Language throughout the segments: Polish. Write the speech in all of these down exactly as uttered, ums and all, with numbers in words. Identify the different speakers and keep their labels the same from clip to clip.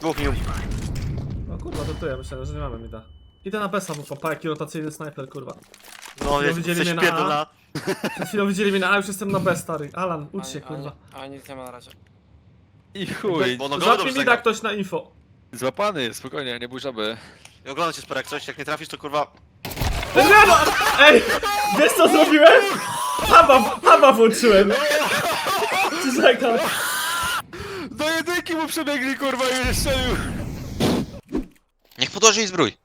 Speaker 1: Dwóch mił.
Speaker 2: No kurwa, to tu ja myślałem, że nie mamy mida. Idę na Besa, bo papa, jaki rotacyjny snajper, kurwa.
Speaker 1: No, jest,
Speaker 2: widzieli
Speaker 1: coś
Speaker 2: mnie na
Speaker 1: pierdolona.
Speaker 2: A. Przed chwilą widzieli mnie na A, już jestem na B, stary. Alan, ucz się,
Speaker 3: A,
Speaker 2: kurwa.
Speaker 3: a, a nic nie ma na razie.
Speaker 4: I chuj.
Speaker 1: Bo no go
Speaker 2: Złapie
Speaker 1: dobrze
Speaker 2: mida
Speaker 1: zagrał.
Speaker 2: ktoś na info.
Speaker 4: Złapany jest, spokojnie, nie bój żaby.
Speaker 1: I oglądam cię Sperek, coś, jak nie trafisz to kurwa...
Speaker 2: Nie no! Ej! Wiesz co zrobiłem? Haba, haba włączyłem! Czekaj.
Speaker 4: Do jedynki mu przebiegli, kurwa, i już strzelił.
Speaker 5: Niech podłoży i zbrój.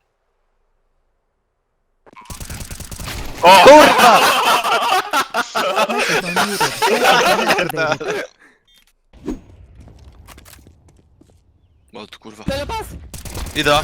Speaker 1: O!
Speaker 5: Kurwa!
Speaker 6: Microphone muted. Activated.
Speaker 1: O tu kurwa.
Speaker 3: Telepas!
Speaker 1: Ida.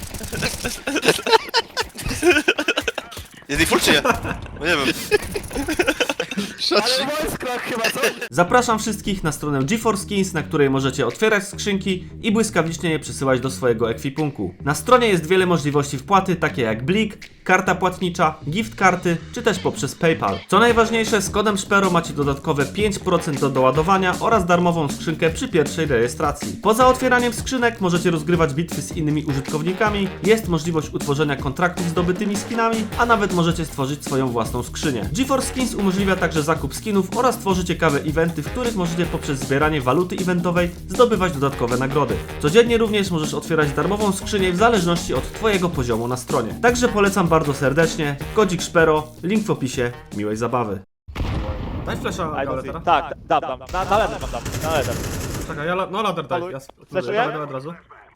Speaker 1: Jest full czy nie? No nie wiem.
Speaker 3: Ale voice crack chyba, co?
Speaker 2: Zapraszam wszystkich na stronę GeForce Skins, na której możecie otwierać skrzynki i błyskawicznie je przesyłać do swojego ekwipunku. Na stronie jest wiele możliwości wpłaty, takie jak Blik, karta płatnicza, gift karty, czy też poprzez PayPal. Co najważniejsze, z kodem Szpero macie dodatkowe pięć procent do doładowania oraz darmową skrzynkę przy pierwszej rejestracji. Poza otwieraniem skrzynek możecie rozgrywać bitwy z innymi użytkownikami, jest możliwość utworzenia kontraktów z zdobytymi skinami, a nawet możecie stworzyć swoją własną skrzynię. GeForce Skins umożliwia także zakup skinów oraz tworzy ciekawe eventy, w których możecie poprzez zbieranie waluty eventowej zdobywać dodatkowe nagrody. Codziennie również możesz otwierać darmową skrzynię w zależności od twojego poziomu na stronie. Także polecam bardzo serdecznie. Kodzik Szpero, link w opisie. Miłej zabawy. Daj flesza
Speaker 7: I
Speaker 2: galę
Speaker 7: don't see.
Speaker 2: teraz.
Speaker 7: Tak, dam, dam. Na, na lewo mam dam, na lewo.
Speaker 2: Czekaj, ja la no ladder daj.
Speaker 7: Paluj.
Speaker 2: Ja
Speaker 7: Fleszuję?
Speaker 2: dawaj, dawaj od razu.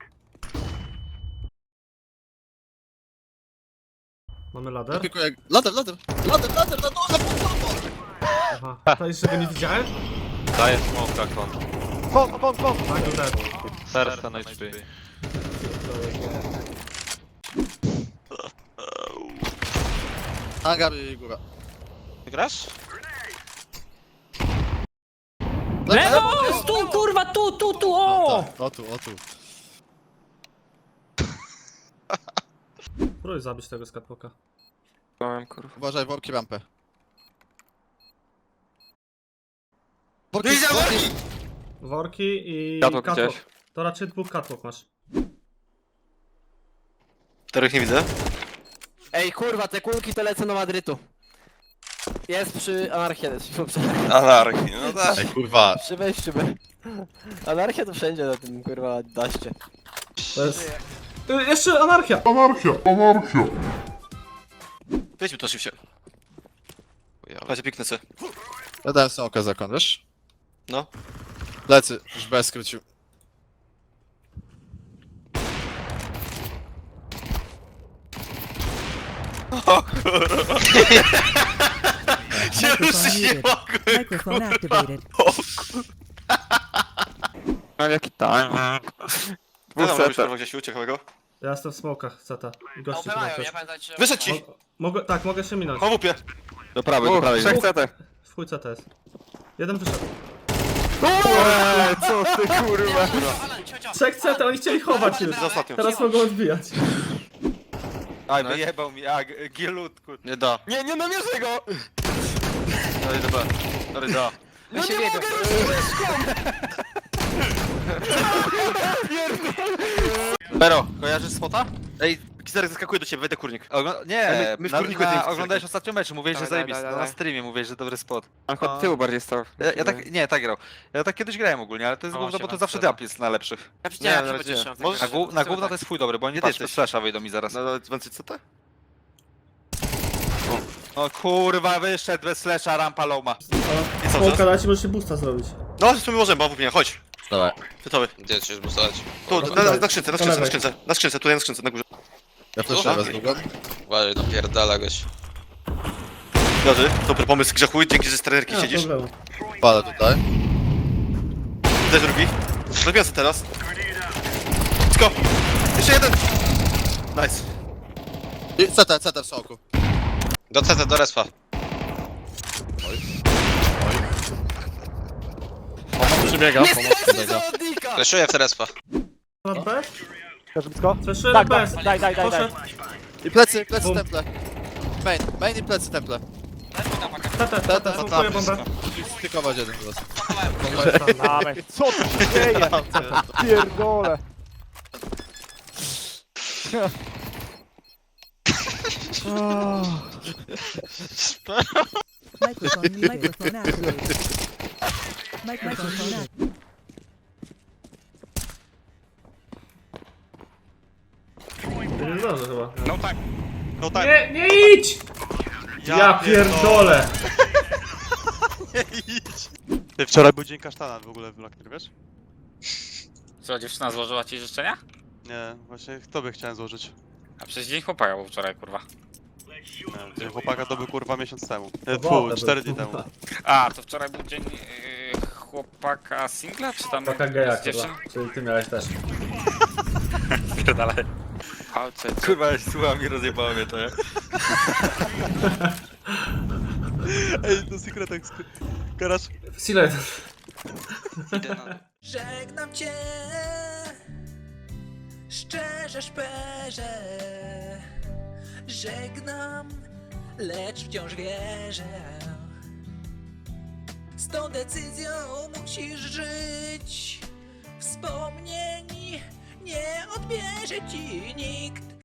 Speaker 2: Mamy ladder.
Speaker 8: Pikuję. Lader, lader, lader, lader, na dole,
Speaker 2: Aha. To jeszcze go nie widziałem?
Speaker 4: Daję smoka, kon.
Speaker 7: Pong, pong, pong!
Speaker 2: Tak, to dead.
Speaker 4: Serce na H P.
Speaker 8: Hangar i góra.
Speaker 5: Grasz?
Speaker 3: Lewo! Tu, kurwa, tu, tu, tu, o!
Speaker 8: O tu, o tu.
Speaker 2: Próbuj zabić tego skatpoka.
Speaker 3: Byłem, kurwa.
Speaker 8: Uważaj, worki rampę. Worki,
Speaker 1: Widzę
Speaker 8: worki!
Speaker 1: worki!
Speaker 2: Worki i
Speaker 4: Catwalk
Speaker 2: catwalk.
Speaker 4: gdzieś.
Speaker 2: To raczej dwóch catwalk masz.
Speaker 1: Których nie widzę.
Speaker 3: Ej, kurwa, te kulki to lecą do Madrytu. Jest przy Anarchii, jest przy,
Speaker 1: Anarchii, no tak.
Speaker 8: Ej, kurwa.
Speaker 3: przy wejściu. by. Anarchia to wszędzie na tym, kurwa, daście.
Speaker 2: To jest... Y, jeszcze anarchia!
Speaker 1: Weźmy to szybciej. Chodź, piknę se.
Speaker 8: Ja dałem smoka za kon, wiesz?
Speaker 1: No.
Speaker 8: Plecy, już bez skrócił.
Speaker 1: Się ruszyć nie
Speaker 6: muted.
Speaker 1: mogłem.
Speaker 6: Microphone activated.
Speaker 4: Mam jaki time.
Speaker 1: No tam robisz kurwa gdzieś uciekłego.
Speaker 2: Ja jestem w smokach, ceta. I gości tu też.
Speaker 3: pamiętajcie.
Speaker 1: Wyszedł ci!
Speaker 2: Mo mogę, tak, mogę się minąć.
Speaker 1: Po wupie.
Speaker 4: Do prawej, do prawej.
Speaker 2: trzech
Speaker 4: C T.
Speaker 2: W chuj ceta jest. Jeden wyszedł.
Speaker 4: Eee, co ty kurwa.
Speaker 2: Trzech ceta, oni chcieli chować już.
Speaker 1: Z ostatnią.
Speaker 2: Teraz mogą odbijać.
Speaker 4: Aj, wyjebał mi, a, gielutku.
Speaker 1: Nie da.
Speaker 4: Nie, nie namierzę go!
Speaker 1: Dalej do B. Dalej da.
Speaker 3: No nie mogę!
Speaker 1: Bero, kojarzysz spota? Ej, Kizarek zaskakuje do ciebie, wejdę kurnik.
Speaker 4: Ogl nie,
Speaker 1: My- my w
Speaker 4: na,
Speaker 1: kurniku
Speaker 4: na,
Speaker 1: tym-
Speaker 4: oglądałeś ostatnio mecz, mówiłeś, że
Speaker 3: Dawaj,
Speaker 4: zajebisty.
Speaker 3: dawaj,
Speaker 4: Na
Speaker 3: dawaj.
Speaker 4: streamie mówiłeś, że dobry spot.
Speaker 3: On
Speaker 4: od tyłu bardziej stał. Ja, ja tak, nie, tak grał. Ja tak kiedyś grałem ogólnie, ale to jest
Speaker 3: O,
Speaker 4: gówno, bo to
Speaker 3: siema,
Speaker 4: zawsze
Speaker 3: siema.
Speaker 4: drap jest na lepszych.
Speaker 3: Ja
Speaker 1: Nie,
Speaker 3: widziałem,
Speaker 1: na
Speaker 3: że
Speaker 1: razie
Speaker 3: będziesz
Speaker 1: nie.
Speaker 3: chciał.
Speaker 1: Możesz-
Speaker 4: Na, gó na gówno to jest chuj dobry, bo oni
Speaker 1: Gdzie ty
Speaker 4: patrz,
Speaker 1: jesteś?
Speaker 4: flasha wyjdą mi zaraz.
Speaker 1: No, no, więcej co to?
Speaker 4: No kurwa, wyszedł bez flasha, rampa loma.
Speaker 1: I co,
Speaker 2: Smoka
Speaker 1: co?
Speaker 2: dać, możesz się boosta zrobić.
Speaker 1: No, w sumie możemy, bo wupie, chodź.
Speaker 8: Dawaj.
Speaker 1: Gotowy.
Speaker 5: Gdzie chcesz bustować?
Speaker 1: Tu, na, na, na skrzynce, na skrzynce, na skrzynce. Na skrzynce, tutaj na skrzynce, na górze.
Speaker 8: Ja flashuję was długo.
Speaker 5: Uważaj, napierdala goś.
Speaker 1: Dobry, dobry pomysł grzechu, dzięki, że z trenerki
Speaker 2: Nie ma
Speaker 1: siedzisz.
Speaker 2: problemu.
Speaker 8: Palę tutaj.
Speaker 1: Tutaj drugi. Robię sobie teraz. Let's go. Jeszcze jeden. Nice.
Speaker 8: I C T, C T w soku.
Speaker 5: Do C T, do respa.
Speaker 8: Przybiega, pomoc przybiega.
Speaker 5: Fleszuję w respa.
Speaker 2: Na B?
Speaker 7: Każdy blisko?
Speaker 2: Fleszuję na
Speaker 7: Tak,
Speaker 2: B.
Speaker 7: tak, daj, daj, daj, daj.
Speaker 2: Poszedł.
Speaker 8: I plecy, plecy
Speaker 2: Bum.
Speaker 8: temple. Main, main i plecy temple.
Speaker 2: Teta, teta, smokuję bombę.
Speaker 8: Stykować jeden teraz.
Speaker 7: Dawaj. Co tu się dzieje? Pierdolę.
Speaker 6: Microphone, microphone activated. Microphone activated.
Speaker 2: Nie zdążę chyba.
Speaker 4: No tak.
Speaker 8: No tak.
Speaker 2: Nie, nie idź! Ja pierdolę!
Speaker 8: Nie idź. Ty, wczoraj był dzień kasztana w ogóle w Blackner, wiesz?
Speaker 4: Co, dziewczyna złożyła ci życzenia?
Speaker 8: Nie, właśnie tobie chciałem złożyć.
Speaker 4: A przecież dzień chłopaka był wczoraj, kurwa.
Speaker 8: Nie, dzień chłopaka to był kurwa miesiąc temu. Nie,
Speaker 2: Sobota
Speaker 8: fu, cztery
Speaker 2: był,
Speaker 8: dni temu.
Speaker 2: kurwa.
Speaker 4: A, to wczoraj był dzień yy, chłopaka singla, czy tam
Speaker 2: Taka geja,
Speaker 4: z dziewczyn?
Speaker 2: kurwa. Czyli ty miałeś też.
Speaker 4: Pierdalaj. Palce,
Speaker 1: Kurwa, słucham i rozjebało mnie to, nie?
Speaker 8: Ej, do sekretek, garaż.
Speaker 2: Silet.
Speaker 9: Żegnam cię, szczerze szperze. Żegnam, lecz wciąż wierzę. Z tą decyzją musisz żyć. Wspomnień nie odbierze ci nikt.